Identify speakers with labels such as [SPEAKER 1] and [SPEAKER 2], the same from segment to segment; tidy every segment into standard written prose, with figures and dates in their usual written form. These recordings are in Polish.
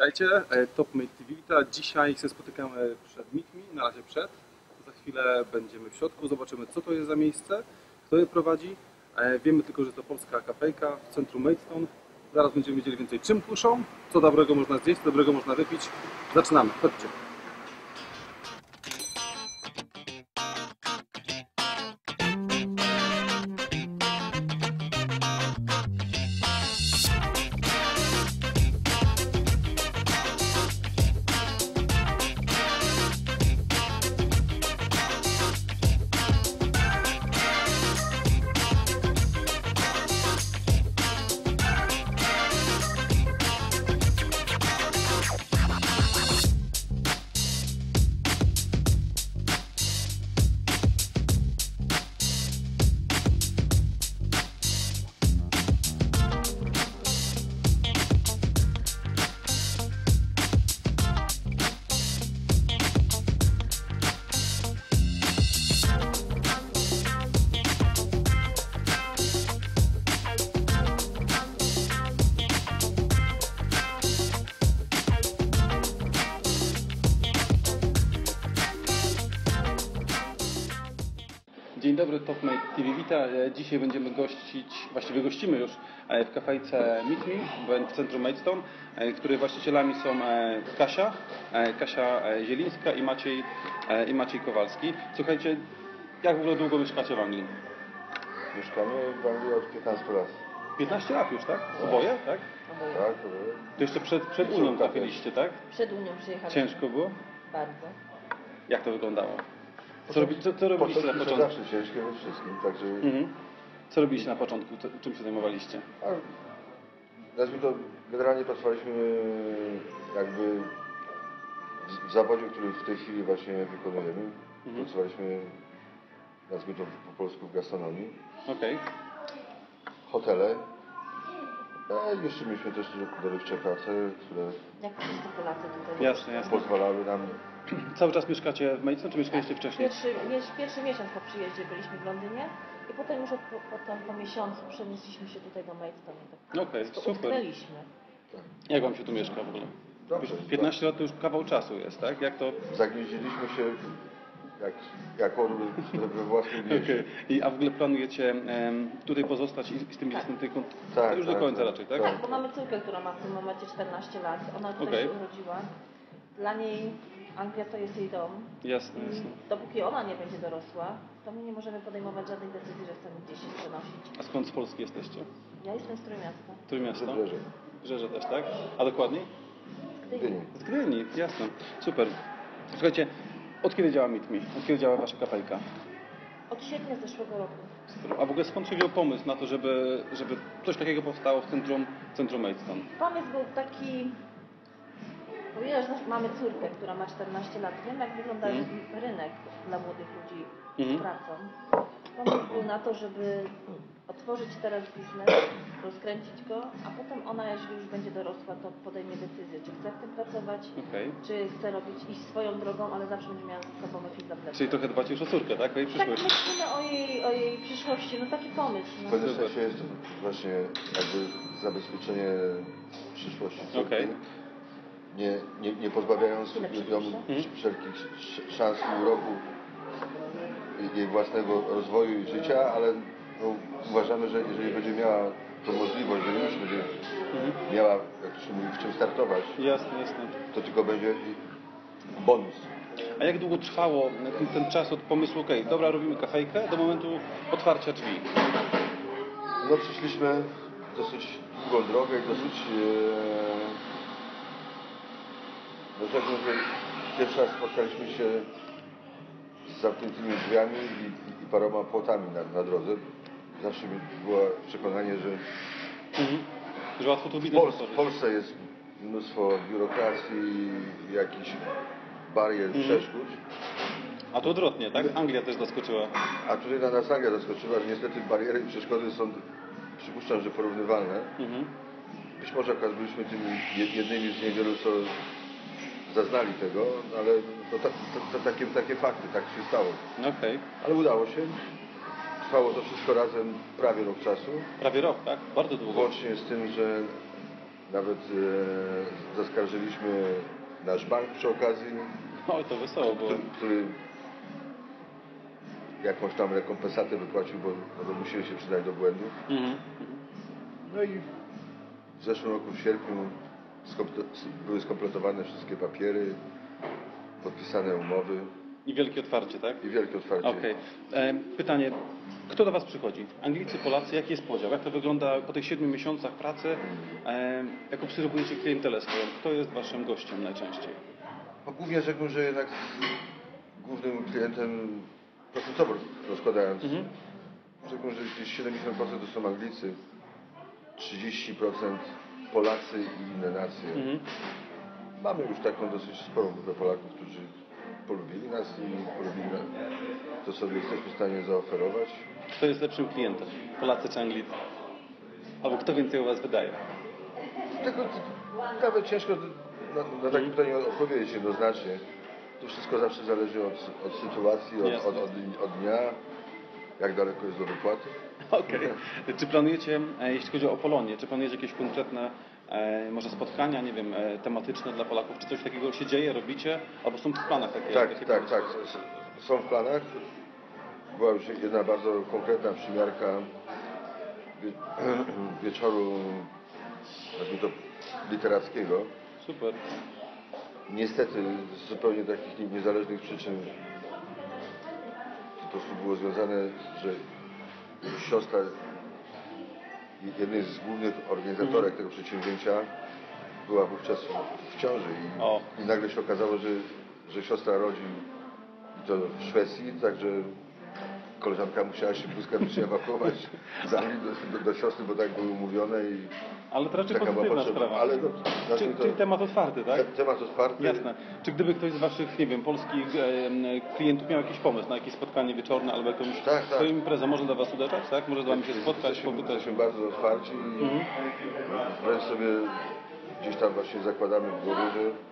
[SPEAKER 1] Witajcie, TopMate TV wita. Dzisiaj się spotykamy przed Meet Me, na razie przed. Za chwilę będziemy w środku, zobaczymy co to jest za miejsce, kto je prowadzi. Wiemy tylko, że to polska kafejka w centrum Maidstone. Zaraz będziemy wiedzieli więcej, czym kuszą, co dobrego można zjeść, co dobrego można wypić. Zaczynamy, chodźcie. Dzień dobry, TopMate TV wita. Dzisiaj będziemy gościć, właściwie gościmy już w kafejce Meet Me w centrum Maidstone, której właścicielami są Kasia Zielińska i Maciej Kowalski. Słuchajcie, jak w ogóle długo mieszkacie w Anglii?
[SPEAKER 2] Mieszkamy w Anglii od 15 lat.
[SPEAKER 1] 15 lat już, tak? Oboje, tak?
[SPEAKER 2] Tak, oboje.
[SPEAKER 1] To jeszcze przed Unią trafiliście, tak?
[SPEAKER 3] Przed Unią przyjechaliśmy.
[SPEAKER 1] Ciężko było?
[SPEAKER 3] Bardzo.
[SPEAKER 1] Jak to wyglądało? Co robiliście na początku?
[SPEAKER 2] Zawsze ciężkie we wszystkim, także...
[SPEAKER 1] Co robiliście na początku? Czym się zajmowaliście?
[SPEAKER 2] Nazwijmy to, generalnie pracowaliśmy jakby w zawodzie, który w tej chwili właśnie wykonujemy. Pracowaliśmy, nazwijmy to po polsku, w gastronomii.
[SPEAKER 1] Okej.
[SPEAKER 2] Hotele. Jeszcze mieliśmy też dorywcze prace, które
[SPEAKER 3] Jak wszyscy Polacy tutaj.
[SPEAKER 1] Jasne.
[SPEAKER 2] pozwalały nam...
[SPEAKER 1] Cały czas mieszkacie w Maidstone, czy mieszkaliście wcześniej?
[SPEAKER 3] Pierwszy miesiąc po przyjeździe byliśmy w Londynie i potem już po miesiącu przenieśliśmy się tutaj do Maidstone.
[SPEAKER 1] Okej, super.
[SPEAKER 3] Utknęliśmy.
[SPEAKER 1] Jak wam się tu mieszka w ogóle?
[SPEAKER 2] Dobrze.
[SPEAKER 1] 15 lat to już kawał czasu jest, tak? Jak to...
[SPEAKER 2] Zagnieździliśmy się jak orły we własnym mieście.
[SPEAKER 1] A w ogóle planujecie tutaj pozostać i z tym dzieckiem tutaj
[SPEAKER 2] Tak,
[SPEAKER 1] już do końca raczej, tak?
[SPEAKER 3] Tak, bo mamy córkę, która ma w tym momencie 14 lat. Ona tutaj się urodziła. Dla niej Anglia to jest jej dom.
[SPEAKER 1] Jasne.
[SPEAKER 3] Dopóki ona nie będzie dorosła, to my nie możemy podejmować żadnej decyzji, że chcemy gdzieś się przenosić.
[SPEAKER 1] A skąd z Polski jesteście?
[SPEAKER 3] Ja jestem z Trójmiasta.
[SPEAKER 1] Trójmiasto?
[SPEAKER 2] Wybrzeże.
[SPEAKER 1] Wybrzeże też, tak? A dokładniej?
[SPEAKER 2] Gdyni.
[SPEAKER 1] Z Gdyni, jasne. Super. Słuchajcie, od kiedy działa Meet Me? Od kiedy działa wasza kafejka?
[SPEAKER 3] Od sierpnia zeszłego roku.
[SPEAKER 1] A w ogóle skąd się wziął pomysł na to, żeby coś takiego powstało w centrum Maidstone?
[SPEAKER 3] Pomysł był taki, ponieważ mamy córkę, która ma 14 lat, wiem jak wygląda rynek dla młodych ludzi z pracą. Pomysł był na to, żeby otworzyć teraz biznes, rozkręcić go, a potem ona, jeżeli już będzie dorosła, to podejmie decyzję, czy chce w tym pracować, czy chce iść swoją drogą, ale zawsze będzie miała za sobą jakiś zaplecze.
[SPEAKER 1] Czyli trochę dbacie już o córkę, tak? O jej
[SPEAKER 3] Tak
[SPEAKER 1] przyszłość.
[SPEAKER 3] myślimy o jej przyszłości, no taki pomysł.
[SPEAKER 2] W
[SPEAKER 3] No.
[SPEAKER 2] pewnym sensie jest to właśnie jakby zabezpieczenie przyszłości córki. Nie pozbawiając ją wszelkich szans i uroku jej własnego rozwoju i życia, ale uważamy, że jeżeli będzie miała tą możliwość, że już będzie miała, jak to się mówi, w czym startować,
[SPEAKER 1] Jasne.
[SPEAKER 2] to tylko będzie bonus.
[SPEAKER 1] A jak długo trwało ten czas od pomysłu, dobra, robimy kafejkę, do momentu otwarcia drzwi?
[SPEAKER 2] No przeszliśmy dosyć długą drogę i dosyć... rzekłbym, że pierwszy raz spotkaliśmy się z zamkniętymi drzwiami i paroma płotami na drodze. Zawsze było przekonanie, że
[SPEAKER 1] Że łatwo tu biznes
[SPEAKER 2] w Polsce jest mnóstwo biurokracji, jakichś barier, przeszkód.
[SPEAKER 1] A to odwrotnie, tak? Anglia też zaskoczyła.
[SPEAKER 2] A tutaj nas Anglia zaskoczyła, że niestety bariery i przeszkody są, przypuszczam, że porównywalne. Być może akurat byliśmy tymi jednymi z niewielu, co zaznali tego, ale to takie fakty, tak się stało. Ale udało się. Trwało to wszystko razem prawie rok czasu.
[SPEAKER 1] Prawie rok, tak? Bardzo długo.
[SPEAKER 2] Łącznie z tym, że nawet zaskarżyliśmy nasz bank przy okazji,
[SPEAKER 1] Oj, to wesoło, bo...
[SPEAKER 2] który jakąś tam rekompensatę wypłacił, bo musieli się przydać do błędu. No i w zeszłym roku w sierpniu były skompletowane wszystkie papiery, podpisane umowy.
[SPEAKER 1] I wielkie otwarcie, tak?
[SPEAKER 2] I wielkie otwarcie.
[SPEAKER 1] Okej. Pytanie, kto do Was przychodzi? Anglicy, Polacy, jaki jest podział? Jak to wygląda po tych 7 miesiącach pracy? Jak obserwujecie klientelę swoją? Kto jest Waszym gościem najczęściej?
[SPEAKER 2] No, głównie rzekłbym, że jednak głównym klientem, procentowo rozkładając, rzekłbym, że gdzieś 70% to są Anglicy, 30% Polacy i inne nacje. Mamy już taką dosyć sporą grupę Polaków, którzy polubili nas i polubili to, co jesteśmy w stanie zaoferować.
[SPEAKER 1] Kto jest lepszym klientem? Polacy czy Anglicy? Albo kto więcej u Was wydaje?
[SPEAKER 2] Tego nawet ciężko na takie pytanie odpowiedzieć jednoznacznie. To wszystko zawsze zależy od sytuacji, od dnia, jak daleko jest do wypłaty.
[SPEAKER 1] Okej. Czy planujecie, jeśli chodzi o Polonię, czy planujecie jakieś konkretne może spotkania, nie wiem, tematyczne dla Polaków? Czy coś takiego się dzieje, robicie? Albo są w planach takie?
[SPEAKER 2] Tak. Są w planach. Była już jedna bardzo konkretna przymiarka wieczoru, nazwijmy to, literackiego.
[SPEAKER 1] Super.
[SPEAKER 2] Niestety z zupełnie takich niezależnych przyczyn to po prostu było związane, że siostra jednej z głównych organizatorek tego przedsięwzięcia była wówczas w ciąży i nagle się okazało, że siostra rodzi to w Szwecji, także koleżanka musiała się błyskawicznie ewakuować z Anglii do siostry, bo tak były umówione i
[SPEAKER 1] ale to raczej
[SPEAKER 2] taka była
[SPEAKER 1] pozytywna
[SPEAKER 2] potrzeba.
[SPEAKER 1] sprawa.
[SPEAKER 2] Ale
[SPEAKER 1] czyli temat otwarty, tak?
[SPEAKER 2] Temat otwarty.
[SPEAKER 1] Jasne. Czy gdyby ktoś z Waszych, nie wiem, polskich klientów miał jakiś pomysł na jakieś spotkanie wieczorne albo jakąś swoją imprezę, może do Was uderzać, tak? Może z Wami się spotkać, popytać?
[SPEAKER 2] Jesteśmy bardzo otwarci i wręcz sobie gdzieś tam właśnie zakładamy w głowie,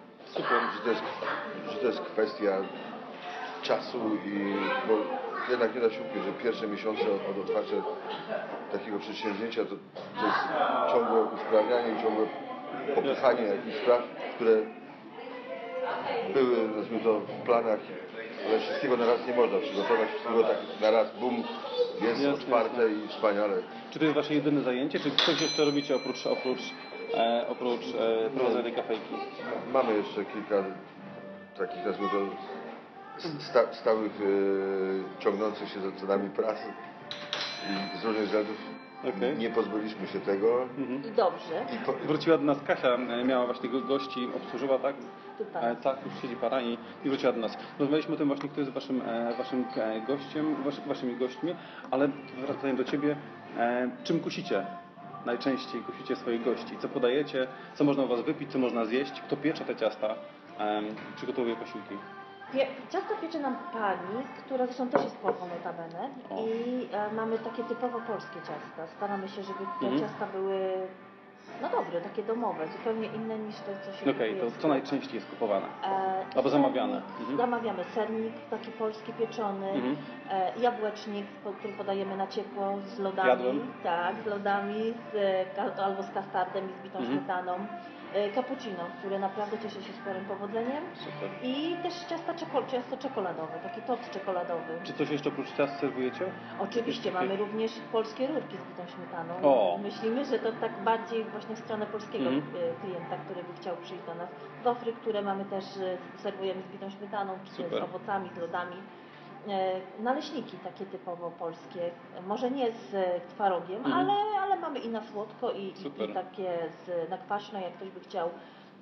[SPEAKER 2] że to jest kwestia czasu bo jednak nie da się ukryć, że pierwsze miesiące od otwarcia takiego przedsięwzięcia to jest ciągłe usprawnianie i ciągłe popychanie jakichś spraw, które były, nazwijmy to, w planach, ale wszystkiego na raz nie można przygotować, wszystkiego tak na raz, bum, jest otwarte i wspaniale.
[SPEAKER 1] Czy to jest Wasze jedyne zajęcie, czy coś jeszcze robicie oprócz prowadzenia tej kafejki?
[SPEAKER 2] Mamy jeszcze kilka takich, nazwijmy to, stałych, ciągnących się za nami pracy i z różnych względów nie pozbyliśmy się tego.
[SPEAKER 3] I dobrze.
[SPEAKER 1] Wróciła do nas Kasia, miała właśnie gości, obsłużyła, tak?
[SPEAKER 3] Tutaj.
[SPEAKER 1] Tak, już siedzi para i wróciła do nas. Rozmawialiśmy o tym właśnie, kto jest waszym gościem, waszymi gośćmi, ale wracając do Ciebie, czym kusicie? Najczęściej kusicie swoich gości? Co podajecie? Co można u Was wypić? Co można zjeść? Kto piecze te ciasta? Przygotowuje posiłki?
[SPEAKER 3] Ciasto piecze nam pani, która zresztą też jest Polką notabene i mamy takie typowo polskie ciasta. Staramy się, żeby te ciasta były dobre, takie domowe, zupełnie inne niż te, co się kupuje.
[SPEAKER 1] To co najczęściej jest kupowane? Albo zamawiane?
[SPEAKER 3] Zamawiamy sernik, taki polski pieczony, jabłecznik, który podajemy na ciepło z lodami.
[SPEAKER 1] Jadłem.
[SPEAKER 3] Tak, z lodami, albo z kastardem i z bitą śmietaną. Cappuccino, które naprawdę cieszy się sporym powodzeniem.
[SPEAKER 1] Super.
[SPEAKER 3] I też ciasto czekoladowe, taki tort czekoladowy.
[SPEAKER 1] Czy coś jeszcze oprócz ciast serwujecie?
[SPEAKER 3] Oczywiście, mamy również polskie rurki z bitą śmietaną. Myślimy, że to tak bardziej właśnie w stronę polskiego klienta, który by chciał przyjść do nas. Wafry, które mamy też, serwujemy z bitą śmietaną, czy z owocami, z lodami. Naleśniki takie typowo polskie, może nie z twarogiem, ale mamy i na słodko i takie na kwaśno, jak ktoś by chciał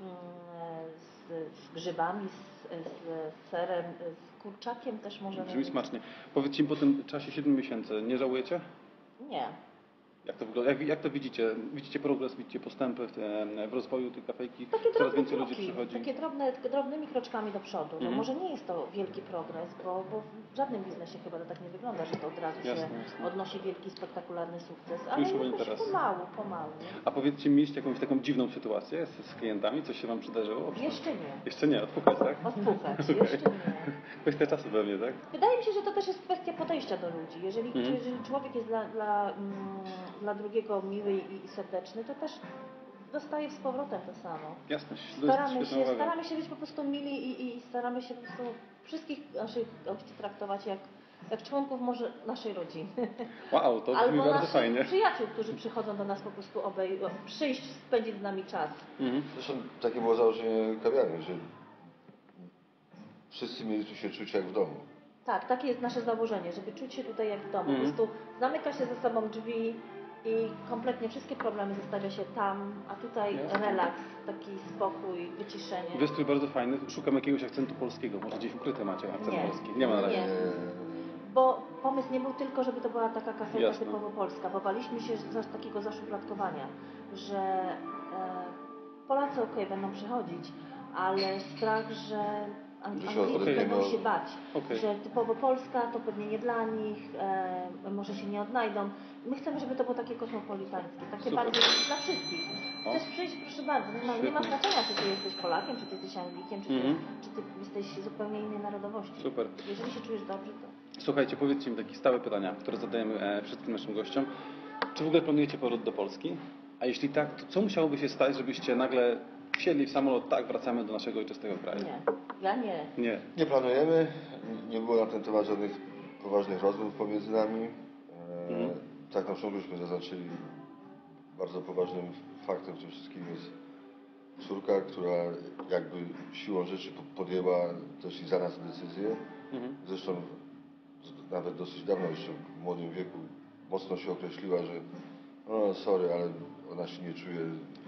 [SPEAKER 3] z grzybami, z serem, z kurczakiem też możemy.
[SPEAKER 1] Brzmi smacznie. Powiedzcie mi, po tym czasie 7 miesięcy, nie żałujecie?
[SPEAKER 3] Nie.
[SPEAKER 1] Jak to wygląda? Jak to widzicie? Widzicie progres, widzicie postępy w rozwoju tej kafejki?
[SPEAKER 3] Takie
[SPEAKER 1] Coraz więcej ludzi przychodzi.
[SPEAKER 3] Takie drobnymi kroczkami do przodu. No może nie jest to wielki progres, bo w żadnym biznesie chyba to tak nie wygląda, że to od razu się odnosi wielki, spektakularny sukces. Ale jakoś pomału.
[SPEAKER 1] A powiedzcie, mieliście jakąś taką dziwną sytuację z klientami? Coś się Wam przydarzyło?
[SPEAKER 3] Jeszcze nie.
[SPEAKER 1] Jeszcze nie, odpukać, tak?
[SPEAKER 3] Odpukać, jeszcze nie.
[SPEAKER 1] Kwestia czasu pewnie, tak?
[SPEAKER 3] Wydaje mi się, że to też jest kwestia podejścia do ludzi. Jeżeli człowiek jest dla drugiego miły i serdeczny, to też dostaje z powrotem to samo.
[SPEAKER 1] Jasne,
[SPEAKER 3] Staramy się być po prostu mili i staramy się po prostu wszystkich naszych gości traktować jak członków może naszej rodziny.
[SPEAKER 1] Wow, to brzmi
[SPEAKER 3] Albo
[SPEAKER 1] bardzo
[SPEAKER 3] naszych
[SPEAKER 1] fajnie.
[SPEAKER 3] przyjaciół, którzy przychodzą do nas po prostu przyjść, spędzić z nami czas.
[SPEAKER 2] Zresztą takie było założenie kawiarni, że wszyscy mieli tu się czuć jak w domu.
[SPEAKER 3] Tak, takie jest nasze założenie, żeby czuć się tutaj jak w domu. Po prostu zamyka się ze sobą drzwi i kompletnie wszystkie problemy zostawia się tam, a tutaj relaks, taki spokój, wyciszenie.
[SPEAKER 1] Wystrój bardzo fajny. Szukam jakiegoś akcentu polskiego. Może gdzieś ukryte macie akcent polski. Nie ma na razie.
[SPEAKER 3] Nie. Bo pomysł nie był tylko, żeby to była taka kafejka
[SPEAKER 1] Jasne.
[SPEAKER 3] typowo polska, bo baliśmy się takiego zaszufladkowania, że Polacy będą przychodzić, ale strach, że Anglicy będą się bać, że typowo Polska to pewnie nie dla nich, może się nie odnajdą. My chcemy, żeby to było takie kosmopolitańskie, takie bardziej dla wszystkich. Chcesz przyjść, proszę bardzo, nie ma znaczenia, czy ty jesteś Polakiem, czy ty jesteś Anglikiem, czy ty jesteś zupełnie innej narodowości.
[SPEAKER 1] Super.
[SPEAKER 3] Jeżeli się czujesz dobrze, to...
[SPEAKER 1] Słuchajcie, powiedzcie mi takie stałe pytania, które zadajemy wszystkim naszym gościom. Czy w ogóle planujecie powrót do Polski? A jeśli tak, to co musiałoby się stać, żebyście nagle wsiedli w samolot, tak, wracamy do naszego ojczystego kraju?
[SPEAKER 3] Nie, ja nie.
[SPEAKER 2] Nie planujemy, nie było na ten temat żadnych poważnych rozmów pomiędzy nami. Tak na początku żeśmy zaznaczyli, bardzo poważnym faktem w tym wszystkim jest córka, która jakby siłą rzeczy podjęła też i za nas decyzję. Zresztą nawet dosyć dawno, jeszcze w młodym wieku, mocno się określiła, że no sorry, ale ona się nie czuje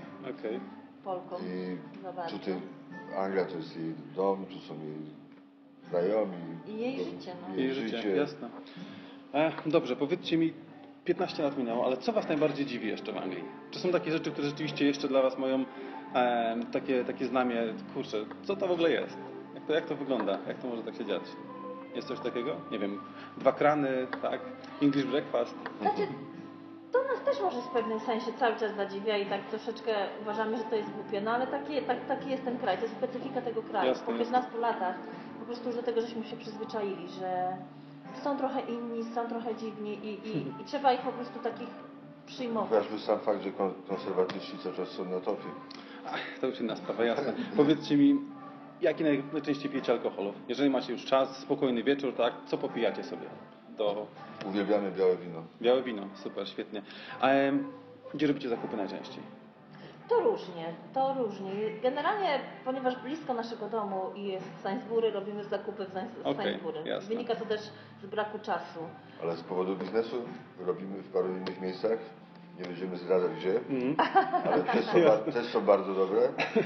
[SPEAKER 3] Polką.
[SPEAKER 2] I tutaj Anglia to jest jej dom, tu są jej znajomi.
[SPEAKER 3] I jej życie. No.
[SPEAKER 1] Jej życie, jasne. Dobrze, powiedzcie mi, 15 lat minęło, ale co Was najbardziej dziwi jeszcze w Anglii? Czy są takie rzeczy, które rzeczywiście jeszcze dla Was mają takie znamie, kurczę, co to w ogóle jest? Jak to wygląda? Jak to może tak się dziać? Jest coś takiego? Nie wiem, 2 krany, tak? English breakfast.
[SPEAKER 3] Znaczy, to nas też może w pewnym sensie cały czas zadziwia i tak troszeczkę uważamy, że to jest głupie, no ale taki jest ten kraj, to jest specyfika tego kraju.
[SPEAKER 1] Jasne,
[SPEAKER 3] Po 15 latach po prostu już do tego żeśmy się przyzwyczaili, że są trochę inni, są trochę dziwni i trzeba ich po prostu takich przyjmować.
[SPEAKER 2] Chociażby sam fakt, że konserwatyści cały czas są na topie.
[SPEAKER 1] To już inna sprawa, jasne. Powiedzcie mi, jaki najczęściej pijecie alkoholu? Jeżeli macie już czas, spokojny wieczór, tak, co popijacie sobie?
[SPEAKER 2] Uwielbiamy białe wino.
[SPEAKER 1] Białe wino, super, świetnie. A gdzie robicie zakupy najczęściej?
[SPEAKER 3] To różnie. Generalnie, ponieważ blisko naszego domu i jest Sainsbury, robimy zakupy w Sainsbury.
[SPEAKER 1] Jasne.
[SPEAKER 3] Wynika to też z braku czasu.
[SPEAKER 2] Ale z powodu biznesu robimy w paru innych miejscach. Nie będziemy zdradzać gdzie, ale też są bardzo dobre.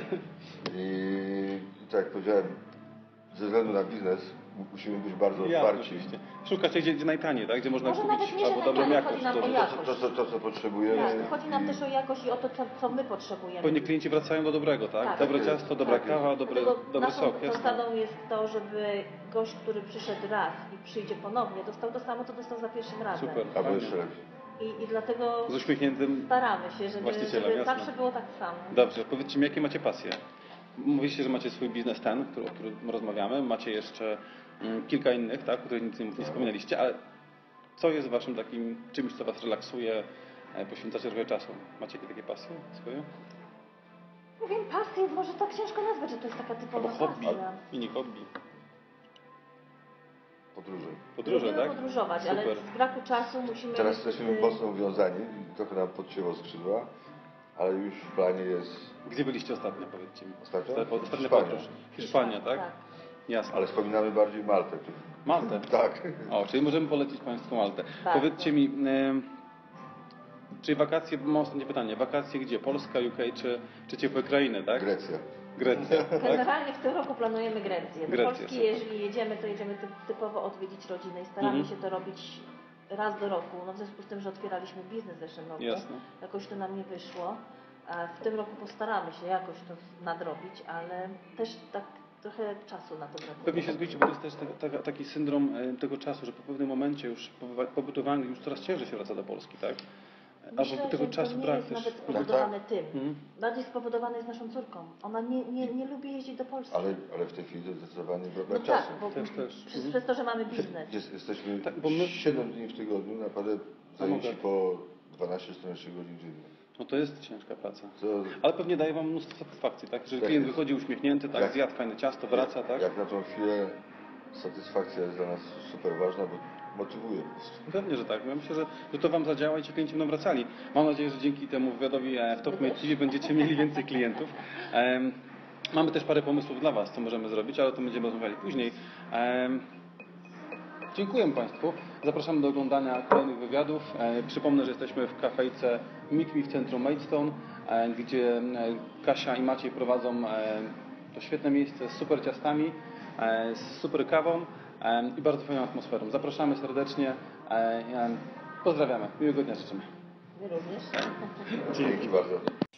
[SPEAKER 2] I tak jak powiedziałem, ze względu na biznes musimy być bardzo otwarci.
[SPEAKER 1] Oczywiście. Szukacie gdzie najtaniej, tak? Gdzie można
[SPEAKER 3] Może
[SPEAKER 1] kupić
[SPEAKER 3] nawet nie, że
[SPEAKER 1] albo dobrą
[SPEAKER 3] najtaniej,
[SPEAKER 1] jakość.
[SPEAKER 3] chodzi nam o jakość.
[SPEAKER 2] To, co potrzebujemy.
[SPEAKER 3] Tak, chodzi nam też o jakość i o to, co my potrzebujemy.
[SPEAKER 1] Pewnie klienci wracają do dobrego, tak?
[SPEAKER 3] Tak.
[SPEAKER 1] Dobre ciasto, dobra kawa, dobry
[SPEAKER 3] Naszą
[SPEAKER 1] sok. Jasne.
[SPEAKER 3] zasadą jest to, żeby gość, który przyszedł raz i przyjdzie ponownie, dostał to samo, co dostał za pierwszym razem.
[SPEAKER 1] Super.
[SPEAKER 2] Albo jeszcze lepiej.
[SPEAKER 3] I dlatego
[SPEAKER 1] Z uśmiechniętym
[SPEAKER 3] staramy się, żeby
[SPEAKER 1] właścicielem,
[SPEAKER 3] zawsze było tak samo.
[SPEAKER 1] Dobrze, powiedzcie mi, jakie macie pasje? Mówiliście, że macie swój biznes ten, o którym rozmawiamy, macie jeszcze kilka innych, tak, o których nic nie wspomnieliście, ale co jest waszym takim czymś, co was relaksuje, poświęcacie trochę czasu? Macie jakieś takie pasje swoje?
[SPEAKER 3] Nie wiem, pasję, może tak ciężko nazwać, że to jest taka typowa
[SPEAKER 1] Albo hobby,
[SPEAKER 3] pasja.
[SPEAKER 1] mini hobby.
[SPEAKER 2] Podróże.
[SPEAKER 3] Lubimy
[SPEAKER 1] tak?
[SPEAKER 3] podróżować,
[SPEAKER 1] Super.
[SPEAKER 3] ale z braku czasu musimy...
[SPEAKER 2] Teraz jesteśmy mocno uwiązani i trochę nam podcięło skrzydła, ale już w planie jest...
[SPEAKER 1] Gdzie byliście ostatnio, powiedzcie mi?
[SPEAKER 2] Ostatnio?
[SPEAKER 1] Ostatnia
[SPEAKER 2] Hiszpania.
[SPEAKER 1] podróż. Hiszpania, tak? Jasne.
[SPEAKER 2] Ale wspominamy bardziej Maltę.
[SPEAKER 1] Maltę?
[SPEAKER 2] Tak.
[SPEAKER 1] O, czyli możemy polecić Państwu Maltę.
[SPEAKER 3] Tak.
[SPEAKER 1] Powiedzcie mi, czy wakacje, mam ostatnie pytanie, wakacje gdzie? Polska, UK czy ciepłe krainy, tak?
[SPEAKER 2] Grecja.
[SPEAKER 1] Grecja, tak?
[SPEAKER 3] Generalnie w tym roku planujemy Grecję. Do
[SPEAKER 1] Grecję,
[SPEAKER 3] Polski,
[SPEAKER 1] super.
[SPEAKER 3] jeżeli jedziemy, to jedziemy typowo odwiedzić rodzinę i staramy się to robić raz do roku. No w związku z tym, że otwieraliśmy biznes w zeszłym roku,
[SPEAKER 1] Jasne.
[SPEAKER 3] jakoś to nam nie wyszło. A w tym roku postaramy się jakoś to nadrobić, ale też tak trochę czasu na to brakuje.
[SPEAKER 1] Pewnie się zgodzicie, bo to jest też taki syndrom tego czasu, że po pewnym momencie już pobytu w Anglii już coraz ciężej się wraca do Polski, tak?
[SPEAKER 3] Myślę,
[SPEAKER 1] Albo tego
[SPEAKER 3] że
[SPEAKER 1] czasu
[SPEAKER 3] to nie
[SPEAKER 1] brak
[SPEAKER 3] jest
[SPEAKER 1] też.
[SPEAKER 3] nawet spowodowany tym. Bardziej spowodowany jest naszą córką. Ona nie lubi jeździć do Polski.
[SPEAKER 2] Ale w tej chwili to zdecydowanie brak
[SPEAKER 3] No
[SPEAKER 2] czasu.
[SPEAKER 3] tak, bo
[SPEAKER 1] Też.
[SPEAKER 3] przez to, że mamy biznes.
[SPEAKER 2] Jesteśmy
[SPEAKER 1] Tak, bo my-
[SPEAKER 2] 7 dni w tygodniu, naprawdę zajęci po 12-14 godzin dziennie.
[SPEAKER 1] No to jest ciężka praca.
[SPEAKER 2] To,
[SPEAKER 1] Ale pewnie daje Wam mnóstwo satysfakcji, tak? Że
[SPEAKER 2] Tak
[SPEAKER 1] klient
[SPEAKER 2] jest.
[SPEAKER 1] wychodzi uśmiechnięty, tak?
[SPEAKER 2] Jak-
[SPEAKER 1] Zjadł fajne ciasto, wraca, tak?
[SPEAKER 2] Jak na tą chwilę satysfakcja jest dla nas super ważna, bo motywuje po prostu.
[SPEAKER 1] Pewnie, że tak. Ja myślę, że to Wam zadziała i ci klienci będą wracali. Mam nadzieję, że dzięki temu wywiadowi w Top Mate TV będziecie mieli więcej klientów. Mamy też parę pomysłów dla Was, co możemy zrobić, ale o tym będziemy rozmawiali później. Dziękuję Państwu. Zapraszamy do oglądania kolejnych wywiadów. Przypomnę, że jesteśmy w kafejce Meet Me w centrum Maidstone, gdzie Kasia i Maciej prowadzą to świetne miejsce z super ciastami, z super kawą i bardzo fajną atmosferą. Zapraszamy serdecznie. Pozdrawiamy. Miłego dnia życzymy.
[SPEAKER 3] My również.
[SPEAKER 2] Dzięki bardzo.